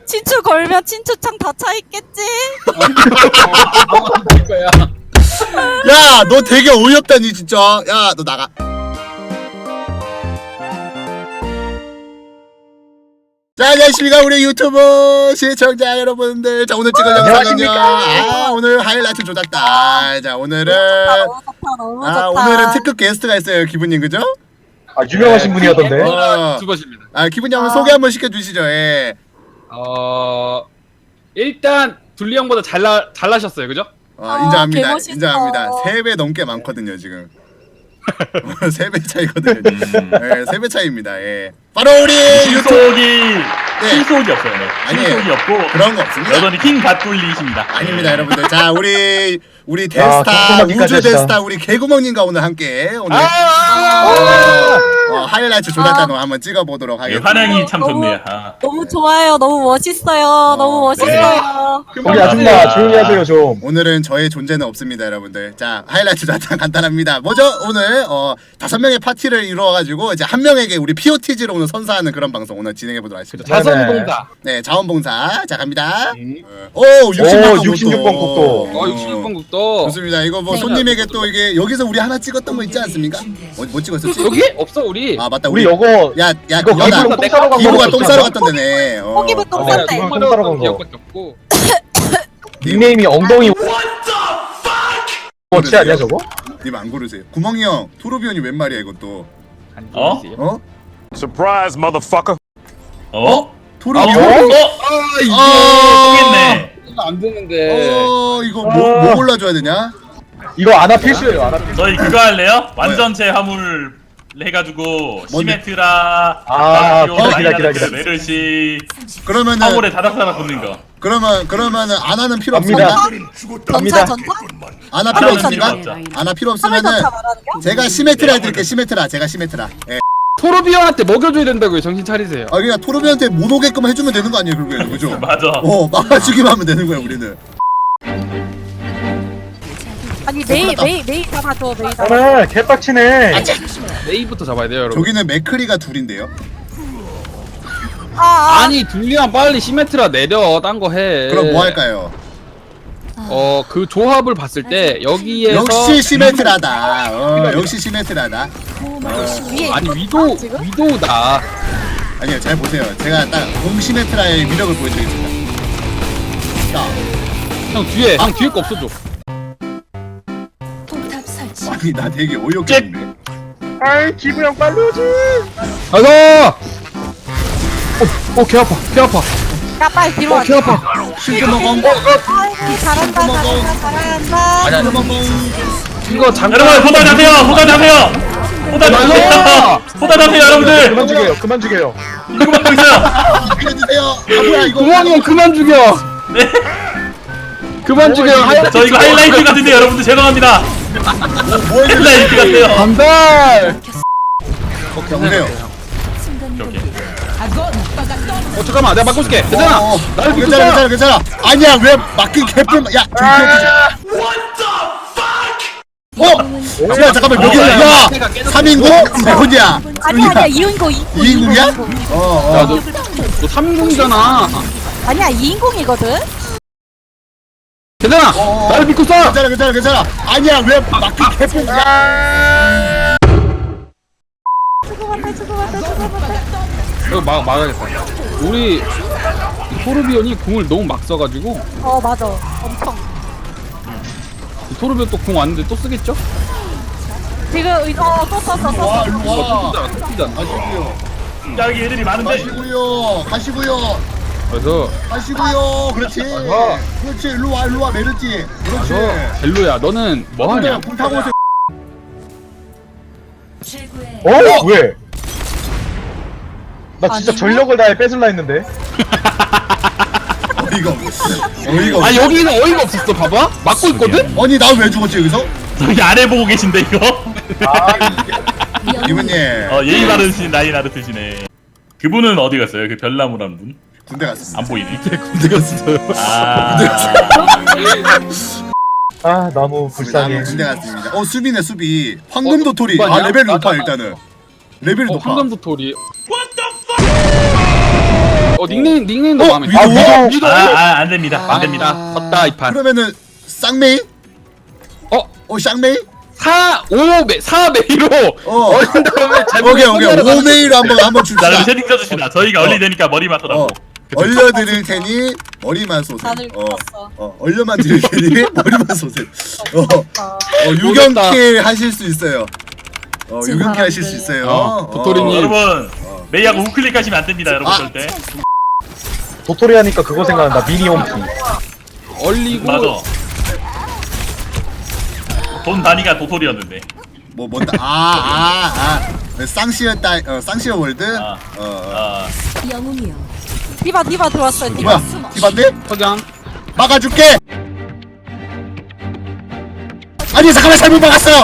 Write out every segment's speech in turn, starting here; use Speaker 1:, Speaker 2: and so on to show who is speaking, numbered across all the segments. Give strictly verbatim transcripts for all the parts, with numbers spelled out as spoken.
Speaker 1: 친추 걸면 친추창 다 차 있겠지?
Speaker 2: 야, 너 되게 어이없다니 진짜. 야, 너 나가. 자, 안녕하십니까 우리 유튜브 시청자 여러분들. 자, 오늘 찍을 영상은요. 아, 오늘 하이라이트 조작다. 자, 오늘은
Speaker 1: 너무 좋다, 너무
Speaker 2: 아,
Speaker 1: 좋다.
Speaker 2: 오늘은 특급 게스트가 있어요, 기분님, 그죠?
Speaker 3: 아, 유명하신 분이었던데.
Speaker 2: 어,
Speaker 4: 두 번입니다.
Speaker 2: 아, 기분님 한번 소개 한번 시켜주시죠. 예.
Speaker 4: 어 일단 둘리 형보다 잘나 잘나셨어요, 그죠?
Speaker 2: 어,
Speaker 1: 아,
Speaker 2: 인정합니다.
Speaker 1: 개멋있어.
Speaker 2: 인정합니다. 세 배 넘게 많거든요, 지금. 세 배 차이거든요. 네, 세 배 차이입니다. 예. 바로 우리 유튜브.
Speaker 5: 실속이
Speaker 2: 네.
Speaker 5: 실속이 없어요. 네.
Speaker 2: 아니에요.
Speaker 5: 실속이 없고
Speaker 2: 그런 거 없습니다.
Speaker 5: 여전히 킹 갓돌리십니다.
Speaker 2: 아닙니다, 여러분들. 자, 우리 우리 대스타
Speaker 3: 킹콩마기까지
Speaker 2: 우주
Speaker 3: 하시다.
Speaker 2: 대스타 우리 개구멍님과 오늘 함께 오늘
Speaker 4: 아!
Speaker 2: 어, 어, 하이라이트 조작단으로 한번 찍어보도록
Speaker 5: 네,
Speaker 2: 하겠습니다.
Speaker 5: 환영이 참
Speaker 1: 너무-
Speaker 5: 좋네요. 아.
Speaker 1: 너무 좋아요. 너무 멋있어요. 너무 멋있어요.
Speaker 3: 거기 아줌마 조용히 하세요 좀.
Speaker 2: 오늘은 저의 존재는 없습니다, 여러분들. 자, 하이라이트 조작단 간단합니다. 뭐죠? 오늘 어 다섯 명의 파티를 이루어가지고 이제 한 명에게 우리 피오티지로 오늘 선사하는 그런 방송 오늘 진행해보도록 하겠습니다.
Speaker 4: 자선봉사.
Speaker 2: 네, 자원봉사. 자, 갑니다.
Speaker 4: 음.
Speaker 2: 오, 육십육 번
Speaker 3: 오, 육십육 번 국도.
Speaker 4: 어 육십육 번 국도.
Speaker 2: 좋습니다. 이거 뭐
Speaker 1: 네.
Speaker 2: 손님에게 또 이게 여기서 우리 하나 찍었던 거 있지 않습니까? 뭐, 뭐 찍었었지?
Speaker 4: 여기 없어 우리.
Speaker 2: 아 맞다.
Speaker 3: 우리 요거
Speaker 2: 야, 야,
Speaker 3: 이거
Speaker 2: 연아.
Speaker 3: 기부랑 똥 싸러 간
Speaker 2: 기부가
Speaker 3: 거
Speaker 2: 똥 싸러 갔던 데네. 어.
Speaker 1: 포기부 똥
Speaker 3: 아,
Speaker 1: 쌌대.
Speaker 3: 네.
Speaker 4: 똥
Speaker 3: 똥 싸러 간 거.
Speaker 4: 기억밖에 없고.
Speaker 3: 닉네임이 엉덩이 워치 아니야 저거?
Speaker 2: 님 안 고르세요. 구멍이 형, 토르비언이 웬 말이야 이것도.
Speaker 5: 어?
Speaker 2: 어?
Speaker 6: Surprise, motherfucker.
Speaker 5: 어?
Speaker 2: 토르비언?
Speaker 5: 어?
Speaker 4: 아 이게
Speaker 2: 어.
Speaker 5: 통했네.
Speaker 4: 이거 안 되는데.
Speaker 2: 어, 이거 뭐, 뭐 골라줘야 되냐?
Speaker 3: 이거 아나 필수예요 아나 필수.
Speaker 5: 저희 그거 할래요? 완전체 화물 해가지고 시메트라,
Speaker 3: 아,
Speaker 5: 바티오,
Speaker 3: 기다, 기다, 기다,
Speaker 5: 라이나르트,
Speaker 3: 기다.
Speaker 5: 메르시
Speaker 2: 그러면은
Speaker 5: 화물에 다닥다닥 붙는 거.
Speaker 2: 그러면 그러면은 안 하는 필요
Speaker 3: 갑니다.
Speaker 2: 없습니까?
Speaker 1: 전차
Speaker 3: 갑니다.
Speaker 1: 전차?
Speaker 2: 안 하 필요
Speaker 5: 하나는
Speaker 2: 없습니까?
Speaker 5: 필요 없죠.
Speaker 2: 안 하 필요
Speaker 1: 화물
Speaker 2: 없으면은
Speaker 1: 전차 말하는 거?
Speaker 2: 제가 시메트라 해드릴게요. 시메트라. 제가 시메트라. 예.
Speaker 4: 토르비언한테 먹여줘야 된다고요. 정신 차리세요.
Speaker 2: 아, 그냥 토르비언한테 못 오게끔 해주면 되는 거 아니에요, 결국에는, 그죠?
Speaker 5: 맞아.
Speaker 2: 어, 막아주기만 하면 되는 거야, 우리는.
Speaker 1: 아니 메이 메이 메이 잡아줘 메이 잡아.
Speaker 3: 오늘 개빡치네.
Speaker 4: 메이부터 잡아야 돼요, 여러분.
Speaker 2: 저기는 맥크리가 둘인데요.
Speaker 1: 아, 아.
Speaker 4: 아니 둘리랑 빨리 시메트라 내려. 딴 거 해.
Speaker 2: 그럼 뭐 할까요?
Speaker 4: 어 그 조합을 봤을 때 여기에서
Speaker 2: 역시 시메트라다. 어, 역시 시메트라다.
Speaker 1: 위에
Speaker 4: 아니
Speaker 1: 있어?
Speaker 4: 위도
Speaker 1: 지금?
Speaker 4: 위도우다.
Speaker 2: 아니요, 잘 보세요. 제가 딱 공시메트라의 위력을 보여드리겠습니다. 자,
Speaker 4: 형 뒤에 형 뒤에 거 없어줘.
Speaker 2: 아니 나 되게 어이없게 했네.
Speaker 3: 아이 기부형 빨리 오지.
Speaker 4: 가자. 어어개 아파 개 아파.
Speaker 1: 야 빨리 뒤로 와.
Speaker 4: 개 아파.
Speaker 2: 실드 먹어.
Speaker 1: 아이고 잘한다 잘한다 잘한다.
Speaker 4: 아니 아니 이거 잠깐.
Speaker 5: 여러분 호다 잡세요. 호다 잡세요. 호다 잡세요. 호다 잡세요, 여러분들.
Speaker 3: 그만 죽여요. 그만 죽여요.
Speaker 5: 이거 막고 있어요.
Speaker 2: 알려주세요. 아 뭐야 이거?
Speaker 4: 구멍이 형 그만 죽여.
Speaker 5: 네.
Speaker 4: 그만 죽여. 하얀
Speaker 5: 저 이거 하이라이트 같은데 여러분들 죄송합니다.
Speaker 2: 뭐 해야
Speaker 5: 하이라이트 같아요.
Speaker 4: 반달.
Speaker 2: 오케이, 오세요.
Speaker 5: 오케이.
Speaker 4: 어 잠깐만 내가 바꿔줄게. 괜찮아.
Speaker 2: 어,
Speaker 4: 나를
Speaker 2: 괜찮아,
Speaker 4: 붙였어.
Speaker 2: 괜찮아, 괜찮아. 아니야, 왜 막힌 개뿔? 야, 좀 어? 야, 잠깐만, 여기, 야, 삼 인공? 누구냐?
Speaker 1: 아니야 아니야 이인공 이인공.
Speaker 2: 이인공이야? 어, 어.
Speaker 4: 야너너 삼인공이잖아.
Speaker 1: 아니야 이인공이거든.
Speaker 4: 괜찮아.
Speaker 2: 어.
Speaker 4: 나를 믿고 쏴.
Speaker 2: 괜찮아, 괜찮아, 괜찮아. 아니야, 왜 막힌 개뿔? 야,
Speaker 1: 죽어봤다 죽어봤다 죽어봤다.
Speaker 4: 이거 막 막아야겠다. 우리 이 토르비언이 궁을 너무 막 써가지고
Speaker 1: 어 맞아 엄청.
Speaker 4: 이 토르비언 또 궁 왔는데 또 쓰겠죠?
Speaker 1: 지금 어또 썼어 썼어.
Speaker 2: 일로
Speaker 4: 이거
Speaker 2: 와.
Speaker 4: 또 쓰잖아 또 쓰잖아.
Speaker 2: 가시고요.
Speaker 5: 야, 여기 애들이 많은데.
Speaker 2: 가시고요. 가시고요.
Speaker 4: 그래서
Speaker 2: 가시고요. 그렇지.
Speaker 4: 가서.
Speaker 2: 그렇지. 일로 와, 일로 와, 메르지. 그렇지.
Speaker 4: 그래서 벨로야 너는 뭐 하냐?
Speaker 2: 불 타고 오세요.
Speaker 3: 어? 왜? 나 진짜 전력을 다해 뺏을라 했는데.
Speaker 2: 어이가 없어. 어이가 없어.
Speaker 4: 아 여기는 어이가 없었어. 봐봐 막고 있거든.
Speaker 2: 아니, 나 왜 죽었지, 여기서?
Speaker 5: 저기 아래 보고 계신데 이거.
Speaker 2: 이분님.
Speaker 5: 어 예의 바르신 라이나르트시네. 그분은 어디 갔어요? 그 별나무라는 분?
Speaker 2: 군대 갔습니다.
Speaker 5: 안 보이네.
Speaker 4: 군대 갔어요.
Speaker 5: 아.
Speaker 3: 아 너무 불쌍해.
Speaker 2: 군대 갔습니다. 어, 수비네, 수비. 황금 도토리.
Speaker 4: 어,
Speaker 2: 아, 레벨이
Speaker 4: 맞아,
Speaker 2: 높아,
Speaker 4: 맞아.
Speaker 2: 일단은. 레벨이
Speaker 4: 어,
Speaker 2: 높아.
Speaker 4: 황금 도토리. 어 닉네임 닉네임도
Speaker 2: 어,
Speaker 4: 마음에
Speaker 2: 위도?
Speaker 4: 들어.
Speaker 3: 위도?
Speaker 4: 위도.
Speaker 5: 아, 아, 안 됩니다.
Speaker 4: 아,
Speaker 5: 안 됩니다.
Speaker 4: 졌다 이 판.
Speaker 2: 그러면은 쌍메이?
Speaker 4: 어
Speaker 2: 어 쌍메이?
Speaker 4: 사, 오, 메, 사 메이로
Speaker 2: 어.
Speaker 4: 어린 다음에 잘못
Speaker 2: 오케이 오케이 오 메이로 한번 한번
Speaker 5: 자,
Speaker 2: 줍시다.
Speaker 5: 그럼 세팅 써주시다. 저희가
Speaker 2: 어.
Speaker 5: 얼리 되니까 머리만
Speaker 2: 어
Speaker 5: 써라고.
Speaker 2: 얼려드릴 테니 머리만 쏘세요.
Speaker 1: 다들
Speaker 2: 어,
Speaker 1: 컸어.
Speaker 2: 어 얼려만 드릴 테니 머리만 쏘세요. 어, 어 유경킬 하실 수 있어요. 어
Speaker 1: 지금
Speaker 2: 유경킬 하실 수
Speaker 1: 사람들.
Speaker 2: 있어요.
Speaker 4: 어, 도토리님.
Speaker 5: 여러분, 메이하고 우클릭하시면 안 됩니다, 여러분
Speaker 2: 아.
Speaker 5: 절대.
Speaker 3: 도토리 하니까 그거 생각난다. 미니 홈피.
Speaker 4: 얼리고
Speaker 5: 맞아. 돈 단위가 도토리였는데.
Speaker 2: 뭐 뭔다 아아 아. 쌍시어 딸 어, 쌍시어 월드.
Speaker 5: 아.
Speaker 2: 어, 어.
Speaker 5: 아,
Speaker 1: 디바 디바 들어왔어요. 디바.
Speaker 2: 뭐야? 디반데?
Speaker 4: 석양.
Speaker 2: 막아줄게. 아니 잠깐만 잘못 막았어요.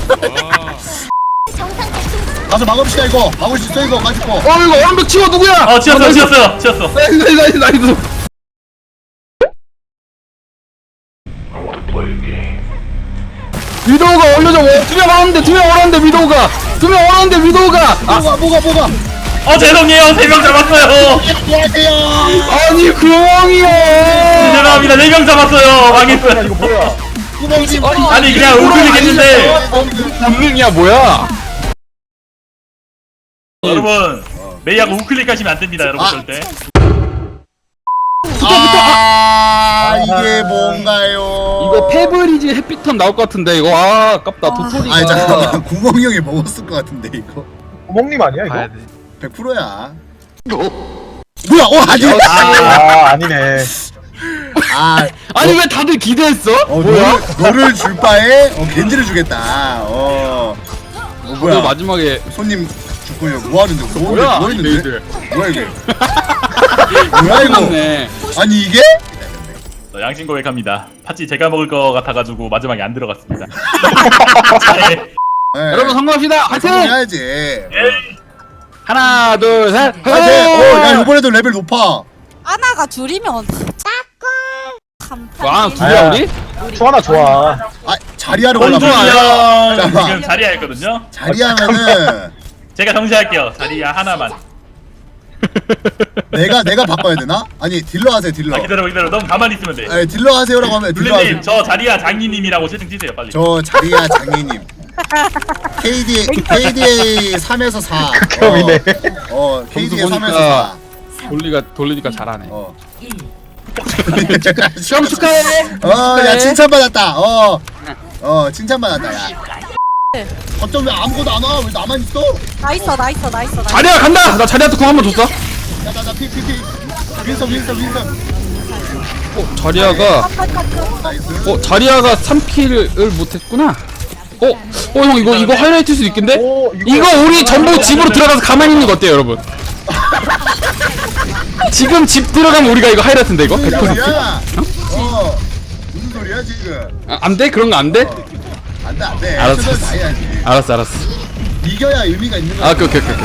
Speaker 2: 가서 막읍시다 이거. 막을 수 있어 이거 가지고.
Speaker 4: 어 이거 완벽 치워 누구야?
Speaker 5: 어, 치웠어, 치웠어요, 치웠어.
Speaker 4: 나이스 나이스 나이스 나이스. 위도우가 올려줘. 두명 얼었는데 두 명 얼었는데 위도우가 두 명 얼었는데 위도우가 아
Speaker 2: 뭐가 뭐가 뭐가.
Speaker 5: 어, 죄송해요, 세 명 잡았어요.
Speaker 2: 안녕하세요.
Speaker 4: 아니 구멍이요.
Speaker 5: 죄송합니다, 네 명 잡았어요.
Speaker 3: 야,
Speaker 5: 망했어요.
Speaker 3: 이거 뭐야?
Speaker 2: 구멍님.
Speaker 5: 아니, 그냥 우클릭 했는데.
Speaker 4: 본능이야 뭐야?
Speaker 5: 여러분, 메이하고 우클릭하시면 안 됩니다, 여러분
Speaker 2: 아.
Speaker 5: 절대.
Speaker 2: 아 이게 뭔가요?
Speaker 4: 이거 페브리즈 햇빛턴 나올 것 같은데 이거 아 아깝다 도토리가.
Speaker 2: 아니 잠깐만 구멍이 형이 먹었을 것 같은데 이거
Speaker 3: 구멍님 아니야 이거?
Speaker 2: 백 퍼센트야. 뭐야? 어 아니.
Speaker 3: 아 아니네.
Speaker 2: 아
Speaker 4: 아니 왜 다들 기대했어?
Speaker 2: 어,
Speaker 4: 뭐야?
Speaker 2: 너를, 너를 줄 바에 어, 겐지를 주겠다. 어, 어
Speaker 4: 너
Speaker 2: 뭐야?
Speaker 4: 마지막에
Speaker 2: 손님 죽고 이거 뭐 하는데? 뭐,
Speaker 4: 뭐야?
Speaker 2: 뭐 있는데?
Speaker 4: 메이들.
Speaker 2: 뭐야 이게? 뭐야 이거?
Speaker 4: 끝났네.
Speaker 2: 아니 이게?
Speaker 5: 저 양심 고백합니다. 팥찌 제가 먹을 것 같아가지고 마지막에 안 들어갔습니다. 자, 예.
Speaker 2: 네.
Speaker 4: 여러분 성공합시다. 화이팅!
Speaker 2: 해야지.
Speaker 5: 에이.
Speaker 4: 하나 둘 셋.
Speaker 2: 화이팅! 어, 야 이번에도 레벨 높아.
Speaker 1: 아나가 줄이면 참.
Speaker 4: 와 둘이야
Speaker 3: 아야.
Speaker 4: 우리?
Speaker 3: 투하나 좋아.
Speaker 2: 아 자리하러
Speaker 5: 원준이
Speaker 2: 올라가.
Speaker 5: 형
Speaker 2: 잠깐만.
Speaker 5: 지금 자리야 했거든요.
Speaker 2: 자리하면은
Speaker 5: 제가 정시할게요. 자리야 하나만.
Speaker 2: 내가 내가 바꿔야 되나? 아니 딜러 하세요 딜러.
Speaker 5: 아, 기다려 기다려. 너무 가만히 있으면 돼.
Speaker 2: 아니 딜러 하세요라고 하면 딜러 하세요.
Speaker 5: 블루님 저 자리야 장님이라고 채팅 치세요 빨리.
Speaker 2: 저 자리야 장희님. 케이디 케이디에이 삼에서 사.
Speaker 3: 극혐이네.
Speaker 2: 어, 어 케이디에이
Speaker 4: 점수
Speaker 2: 삼에서
Speaker 4: 보니까
Speaker 2: 사.
Speaker 4: 돌리가 돌리니까 잘하네.
Speaker 2: 어.
Speaker 4: 시험 축하해.
Speaker 2: 어, 야 칭찬받았다. 어, 어 칭찬받았다. 야. 어쩜 왜 아무것도 안 와? 왜 나만 있어?
Speaker 1: 나 있어 나 있어 나 있어 나 있어.
Speaker 4: 자리야 간다. 나 자리한테 공 한 번 줬어.
Speaker 2: 야나나피피피 윈서 윈서 윈서.
Speaker 4: 어 자리야가
Speaker 2: 나이스.
Speaker 4: 어 자리야가 삼 킬을 못했구나. 어, 어 형 이거 이거 하이라이트일 수도 있겠는데?
Speaker 3: 오, 이거-
Speaker 4: 이거 우리 전부 집으로 들어가서 가만히 있는 거 어때요, 여러분? 지금 집 들어가면 우리가 이거 하이라이트인데 이거?
Speaker 2: 무슨
Speaker 4: 백 퍼센트?
Speaker 2: 소리야? 어. 무슨 소리야 지금?
Speaker 4: 아, 안 돼? 그런 거 안 돼?
Speaker 2: 안돼 안돼.
Speaker 4: 알았어,
Speaker 2: 최선을
Speaker 4: 알았어.
Speaker 2: 다해야지.
Speaker 4: 알았어, 알았어.
Speaker 2: 이겨야 의미가 있는 거야.
Speaker 4: 아, 오케이, 오케이, 오케이.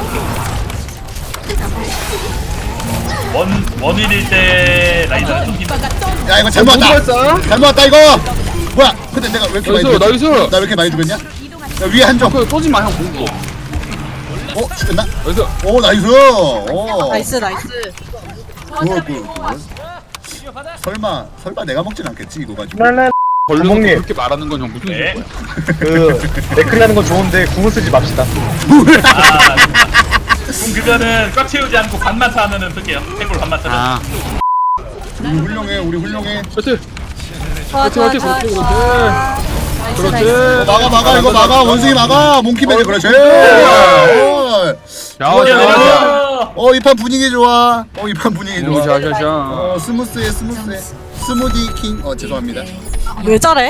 Speaker 5: 원 원일일 때 라이더를 쫓긴다.
Speaker 2: 야 이거 잘못 왔다.
Speaker 4: 했어?
Speaker 2: 잘못 왔다 이거. 뭐야? 근데 내가 왜 이렇게 많이
Speaker 4: 나이스,
Speaker 2: 죽였-
Speaker 4: 나이스.
Speaker 2: 나 왜 이렇게 많이 죽였냐? 야 위에 한 점.
Speaker 4: 그거 쏘지 마, 형. 공고.
Speaker 2: 어 죽였나?
Speaker 4: 그래서
Speaker 2: 오 나이스. 오.
Speaker 1: 나이스 나이스.
Speaker 2: 굿, 굿, 굿. 설마 설마 내가 먹진 않겠지 이거 가지고.
Speaker 3: 랄랄.
Speaker 4: 걸려서
Speaker 3: 구멍님.
Speaker 4: 그렇게 말하는 건 형 무슨
Speaker 5: 네.
Speaker 4: 소리야?
Speaker 3: 그 맥크리 하는 건 좋은데 궁을 쓰지 맙시다.
Speaker 5: 아, 그럼 그거는 꽉 채우지 않고 반만 차면은 쓸게요. 해골 반만 차면.
Speaker 4: 아,
Speaker 2: 우리 훌륭해 우리 훌륭해.
Speaker 4: 그렇지.
Speaker 1: 좋아 좋아
Speaker 4: 그렇지,
Speaker 1: 좋아.
Speaker 4: 그렇지,
Speaker 1: 좋아. 나이스
Speaker 4: 그렇지.
Speaker 1: 나이스.
Speaker 2: 막아 막아 이거 막아 원숭이 막아 몽키맨 그렇지. 어.
Speaker 4: 자,
Speaker 2: 좋아,
Speaker 4: 자,
Speaker 2: 좋아.
Speaker 4: 자.
Speaker 2: 어 이 판 분위기 좋아. 어 이 판 분위기
Speaker 4: 오,
Speaker 2: 좋아.
Speaker 4: 자, 자, 자.
Speaker 2: 어 스무스해 스무스해. 스무디 킹. 어 죄송합니다.
Speaker 1: 왜 저래?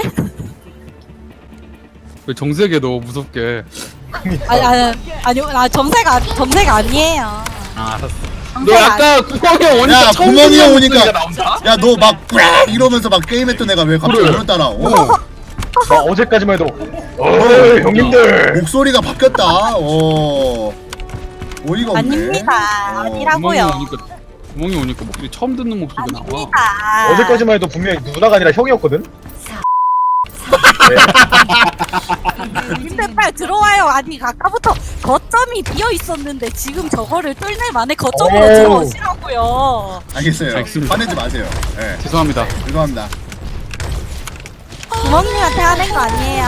Speaker 4: 왜 정색해 너 무섭게?
Speaker 1: 아니 아니 아니 아 점세가 점세가 아니에요.
Speaker 4: 아, 알았어. 너
Speaker 1: 점세가
Speaker 4: 아까 구멍이 형 오니까
Speaker 2: 야
Speaker 4: 처음
Speaker 2: 구멍이 형
Speaker 4: 듣는
Speaker 2: 오니까
Speaker 4: 목소리가 나온다?
Speaker 2: 야 너 막 이러면서 막 게임했던 애가 왜 갑자기
Speaker 4: 그래.
Speaker 2: 오늘 따라 오
Speaker 3: 나 어제까지만 해도 어이 형님들.
Speaker 2: 목소리가 바뀌었다 어 어이가 없네.
Speaker 1: 아닙니다.
Speaker 2: 어.
Speaker 4: 구멍이
Speaker 1: 아니라고요.
Speaker 4: 오니까 구멍이 오니까 목소리 처음 듣는 목소리가 나와.
Speaker 1: 아닙니다.
Speaker 3: 어제까지만 해도 분명히 누나가 아니라 형이었거든.
Speaker 1: 근데 빨리 들어와요. 아니 아까부터 거점이 비어 있었는데 지금 저거를 뚫을 만에 거점으로
Speaker 3: 오.
Speaker 1: 들어오시라고요.
Speaker 2: 알겠어요.
Speaker 4: 알겠습니다.
Speaker 2: 화내지 마세요. 예.
Speaker 4: 죄송합니다.
Speaker 2: 죄송합니다.
Speaker 1: 구멍님한테 하는 거 아니에요.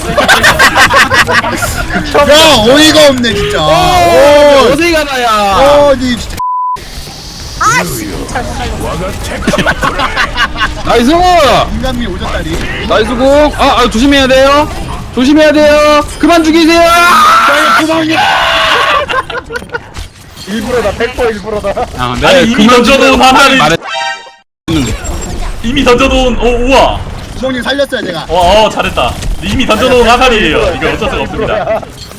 Speaker 2: 야 어이가 없네 진짜. 오.
Speaker 4: 어디 가나야?
Speaker 2: 어, 니 진짜.
Speaker 1: 아씨 잘못 날렸어.
Speaker 4: 나이스!
Speaker 2: 인간미 오졌다리.
Speaker 4: 나이스 공! 아, 아, 조심해야 돼요! 조심해야 돼요! 그만 죽이세요!
Speaker 3: 일부러다 백 퍼센트 일부러다.
Speaker 4: 아,
Speaker 5: 아니, 이미 던져놓은 화살이-
Speaker 4: 말해.
Speaker 5: 이미 던져놓은 오 우와.
Speaker 2: 구멍님 살렸어요 제가.
Speaker 5: 와, 어 잘했다. 이미 던져놓은 화살이에요. 이거 어쩔 수가 없습니다.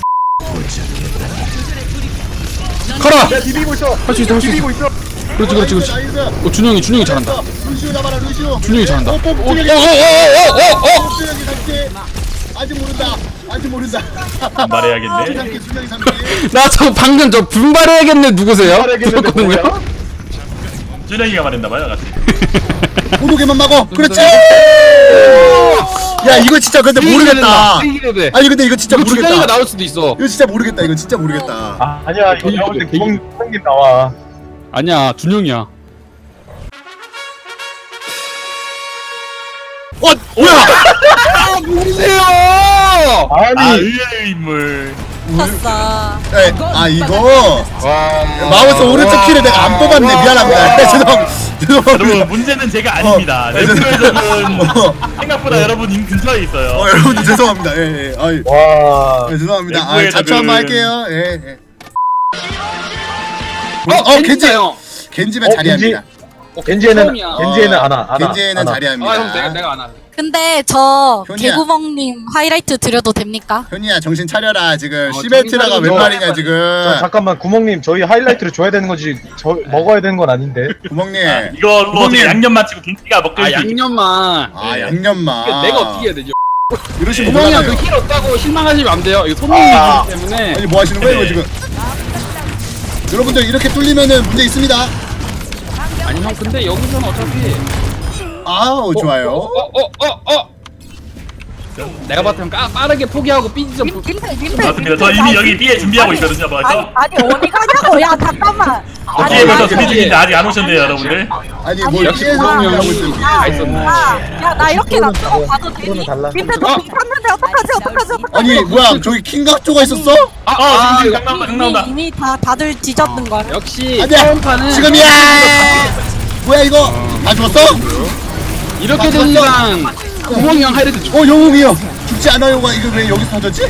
Speaker 4: 커라!
Speaker 3: 야 비비고 있어.
Speaker 4: 할 수 있어, 할 수 있어.
Speaker 3: 비비고 있어.
Speaker 4: 그렇지, 그렇지, 그렇지.
Speaker 2: 나이스.
Speaker 4: 어, 준영이, 준영이 잘한다.
Speaker 2: 루시오 잡아라 루시오.
Speaker 4: 준영이 잘한다.
Speaker 2: 어,
Speaker 4: 어, 어, 어,
Speaker 2: 뽀뽀
Speaker 4: 어,
Speaker 2: 준영이.
Speaker 4: 어, 어, 어, 어!
Speaker 2: 준영이 삼키. 아직 모른다. 아직 모른다.
Speaker 5: 말해야겠네.
Speaker 2: 준영이 준영이 삼키.
Speaker 4: 나 저 방금 저 분발해야겠네 누구세요?
Speaker 3: 분발해야겠는데
Speaker 4: 들었거든요?
Speaker 3: 뭐야?
Speaker 5: 준영이가 말했나봐요, 같이.
Speaker 2: 고독에만 막어. 그렇지. 야 이거 진짜 근데 모르겠다.
Speaker 4: 이기려 돼.
Speaker 2: 아니 근데 이거 진짜
Speaker 4: 이거 준영이가
Speaker 2: 모르겠다.
Speaker 4: 나올 수도 있어.
Speaker 2: 이거 진짜 모르겠다. 이거 진짜 모르겠다.
Speaker 3: 아 아니야 이거
Speaker 4: 개인
Speaker 3: 나올 때
Speaker 4: 개인.
Speaker 3: 구멍 구멍님 나와.
Speaker 4: 아니야, 준영이야.
Speaker 2: 어 뭐야?
Speaker 4: 아, 모르세요!
Speaker 3: 아니
Speaker 5: 아, 의외의 인물.
Speaker 1: 샀어.
Speaker 2: 네, 아 이거
Speaker 3: 와
Speaker 2: 마우스 오른쪽 키를 내가 안 뽑았네. 미안합니다. 죄송 죄송합니다.
Speaker 5: 여러분, 문제는 제가 아닙니다.
Speaker 2: 네,
Speaker 5: 랩에서는
Speaker 2: 어,
Speaker 5: 생각보다 여러분 인 근처에 있어요.
Speaker 2: 어 여러분 죄송합니다. 예, 예. 아이,
Speaker 3: 와.
Speaker 2: 네, 죄송합니다. 아,
Speaker 5: 내부의
Speaker 2: 자초 한번
Speaker 5: 적은-
Speaker 2: 할게요. 예, 예.
Speaker 4: 어,
Speaker 2: 어, 겐지.
Speaker 4: 겐지다, 형.
Speaker 2: 겐지면
Speaker 3: 어,
Speaker 2: 자리합니다.
Speaker 4: 어,
Speaker 3: 겐지에는
Speaker 4: 처음이야.
Speaker 3: 겐지에는 안 와. 안 와,
Speaker 2: 겐지는
Speaker 3: 안 와.
Speaker 2: 자리합니다.
Speaker 4: 아, 형, 내가, 내가 안 하네.
Speaker 1: 근데 저
Speaker 2: 현이야.
Speaker 1: 개구멍님 하이라이트 드려도 됩니까?
Speaker 2: 현이야 정신 차려라. 지금
Speaker 4: 어,
Speaker 2: 시베트라가
Speaker 4: 정신
Speaker 2: 웬
Speaker 4: 차리고
Speaker 2: 말이냐
Speaker 3: 자,
Speaker 2: 지금.
Speaker 3: 잠깐만 구멍님 저희 하이라이트를 줘야 되는 거지 저 먹어야 되는 건 아닌데.
Speaker 2: 구멍님.
Speaker 5: 이걸로
Speaker 2: 구멍님.
Speaker 5: 제가 양념 마치고 김치가 먹을
Speaker 4: 아,
Speaker 5: 수 있게.
Speaker 4: 양념만.
Speaker 2: 아 양념만.
Speaker 4: 이거 내가 어떻게 해야 되죠?
Speaker 2: 이러시면
Speaker 4: 구멍이야,
Speaker 2: 뭐하나요?
Speaker 4: 그힐 없다고 실망하시면 안 돼요. 이거 손님이기
Speaker 3: 아.
Speaker 4: 때문에.
Speaker 2: 아니 뭐 하시는 거예요 이거 지금? 여러분들 이렇게 뚫리면은 문제 있습니다.
Speaker 4: 아니, 형, 근데 여기서는 어차피.
Speaker 2: 아우 좋아요.
Speaker 4: 어, 어, 어, 어. 내가 봤을 땐 까- 빠르게 포기하고 삐지 좀.
Speaker 1: 님, 님들 님들.
Speaker 5: 맞습니다. 저 이미 여기 B에 준비하고 있거든요,
Speaker 1: 아니
Speaker 5: 벌써.
Speaker 1: 아니 어디 가냐고. 야 잠깐만.
Speaker 5: B에
Speaker 1: 아니,
Speaker 5: 벌써
Speaker 1: 아니,
Speaker 5: 준비 중인데 아직 안 오셨네요, 여러분들.
Speaker 2: 아니
Speaker 1: 아니,
Speaker 2: 뭐
Speaker 4: 역시
Speaker 2: 피해서
Speaker 4: 구멍이
Speaker 2: 하고
Speaker 4: 형은
Speaker 2: 있는데.
Speaker 4: 다 있었네.
Speaker 1: 야나 이렇게 놔두고 가도 되니?
Speaker 3: 그러면 달라.
Speaker 1: 님들 너
Speaker 4: 어?
Speaker 1: 탔는데 어떡하지 어떡하지 어떡하지?
Speaker 2: 아니 뭐야 저기 킹각조가 있었어?
Speaker 4: 아,
Speaker 5: 어,
Speaker 4: 아,
Speaker 5: 지금
Speaker 4: 이거
Speaker 5: 강 나온다, 강
Speaker 1: 이미
Speaker 5: 나온다.
Speaker 1: 이미 다 다들 뒤졌는 걸.
Speaker 4: 역시
Speaker 2: 아니야
Speaker 4: 처음 판은
Speaker 2: 지금이야. 뭐야 이거? 다 죽었어?
Speaker 4: 이렇게 된 이상 구멍이 형 하이라이트 줘.
Speaker 2: 어 영웅이 형 죽지 않아요가 이거 왜 여기서 터졌지?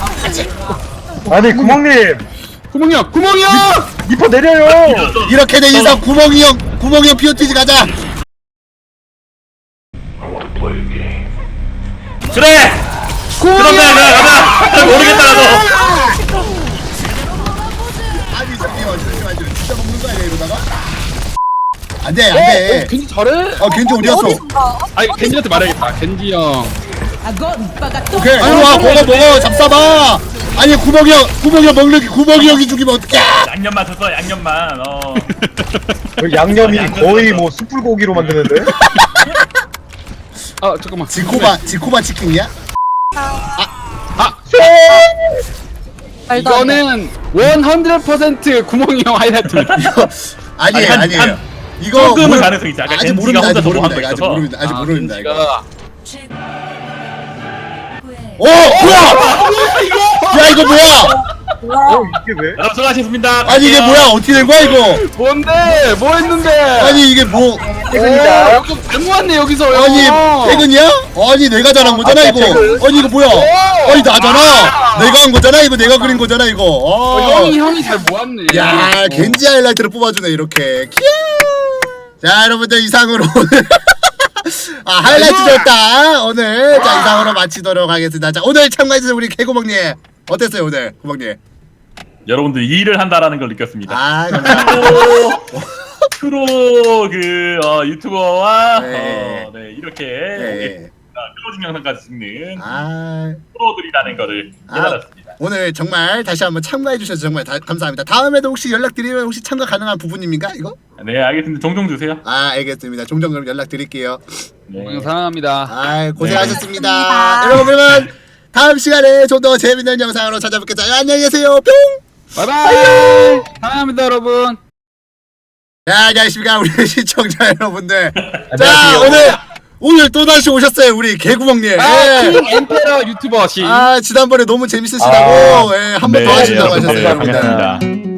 Speaker 3: 아니 구멍님
Speaker 4: 구멍이 형, 구멍이 형!
Speaker 3: 리퍼 내려요.
Speaker 2: 이렇게 된 이상 구멍이 형 구멍이 형 피오티지 가자.
Speaker 5: 그래! 그럼 나, 나, 가자! 모르겠다, 나도!
Speaker 2: 아니 잠시만 잠시만 진짜 먹는 거 아니야 이러다가? 안돼
Speaker 4: 어,
Speaker 2: 안돼.
Speaker 4: 겐지 잘해?
Speaker 2: 어 겐지 어디 갔어?
Speaker 1: 어디선가?
Speaker 4: 아니, 겐지한테 말해야겠다. 겐지 형.
Speaker 2: 오케이 이리 와 먹어 먹어 잡사봐. 아니 구멍이 형 구멍이 형 먹는 게 구멍이 형이 죽이면 어떡해?
Speaker 5: 양념만 줬어, 양념만. 어.
Speaker 3: 그 양념이 거의 뭐 숯불고기로 만드는데.
Speaker 4: 아, 잠깐만.
Speaker 2: 지코바 지코바 치킨이야?
Speaker 1: 말도 안 돼.
Speaker 4: 이거는 백 퍼센트 구멍이 형 하이라이트입니다.
Speaker 2: 아니에요
Speaker 5: 아니, 한-
Speaker 2: 아니에요.
Speaker 5: 한-
Speaker 2: 이거
Speaker 5: 조금은
Speaker 2: 모르-
Speaker 5: 가능성이 있지. 아까
Speaker 2: 아직
Speaker 5: 겐지가
Speaker 2: 모릅니다 아직
Speaker 5: 혼자서 뭐
Speaker 2: 모릅니다
Speaker 5: 하는 거
Speaker 2: 아직
Speaker 5: 있어서.
Speaker 2: 모릅니다 아직
Speaker 4: 아,
Speaker 2: 모릅니다 이거.
Speaker 4: 겐지가
Speaker 2: 오 뭐야? 야 이거 뭐야?
Speaker 3: 어 이게 왜?
Speaker 5: 여러분, 수고하셨습니다.
Speaker 2: 아니 이게 뭐야 어떻게 된 거야 이거?
Speaker 4: 뭔데? 뭐 했는데?
Speaker 2: 아니 이게 뭐?
Speaker 3: 퇴근이다.
Speaker 4: 여기 잘못 왔네 여기서.
Speaker 2: 아니
Speaker 4: 형.
Speaker 2: 퇴근이야? 아니 내가 잘한 거잖아
Speaker 3: 아,
Speaker 2: 이거.
Speaker 3: 퇴근.
Speaker 2: 아니 이거 뭐야? 아니 나잖아. 내가 한 거잖아 이거 내가 그린 거잖아 이거.
Speaker 4: 어,
Speaker 2: 어.
Speaker 4: 형이 형이 잘 모았네.
Speaker 2: 야
Speaker 4: 어.
Speaker 2: 겐지 하이라이트를 뽑아주네 이렇게. 키야. 자 여러분들 이상으로 오늘 아 하이라이트였다 오늘. 자 이상으로 마치도록 하겠습니다. 자 오늘 참가해주신 우리 개구멍님 어땠어요 오늘 구멍님?
Speaker 5: 여러분들 일을 한다라는 걸 느꼈습니다.
Speaker 2: 아 감사합니다.
Speaker 5: 프로 그 어, 유튜버와
Speaker 2: 네.
Speaker 5: 어, 네, 이렇게
Speaker 2: 네.
Speaker 5: 클로징 영상까지 찍는
Speaker 2: 아.
Speaker 5: 프로들이라는 거를
Speaker 2: 아,
Speaker 5: 깨달았습니다. 오늘
Speaker 2: 정말 다시 한번 참가해 주셔서 정말 다, 감사합니다. 다음에도 혹시 연락드리면 혹시 참가 가능한 부분입니까 이거?
Speaker 5: 네, 알겠습니다. 종종 주세요.
Speaker 2: 아 알겠습니다. 종종 그럼 연락드릴게요.
Speaker 4: 형 사랑합니다.
Speaker 2: 아 고생하셨습니다.
Speaker 1: 고맙습니다.
Speaker 2: 여러분 그러면 다음 시간에 좀 더 재밌는 영상으로 찾아뵙겠습니다. 안녕히 계세요. 뿅.
Speaker 4: 바이바이. 사랑합니다 여러분.
Speaker 2: 자, 안녕하십니까 우리 시청자 여러분들. 자
Speaker 3: 안녕하세요.
Speaker 2: 오늘 오늘 또 다시 오셨어요 우리 개구멍님.
Speaker 4: 아,
Speaker 2: 예.
Speaker 4: 킹 엠페러 유튜버 씨.
Speaker 2: 아 지난번에 너무 재밌으시다고
Speaker 3: 아,
Speaker 2: 예, 한 번 더
Speaker 5: 네,
Speaker 2: 하신다고
Speaker 5: 여러분들
Speaker 2: 하셨어요.
Speaker 5: 반갑습니다.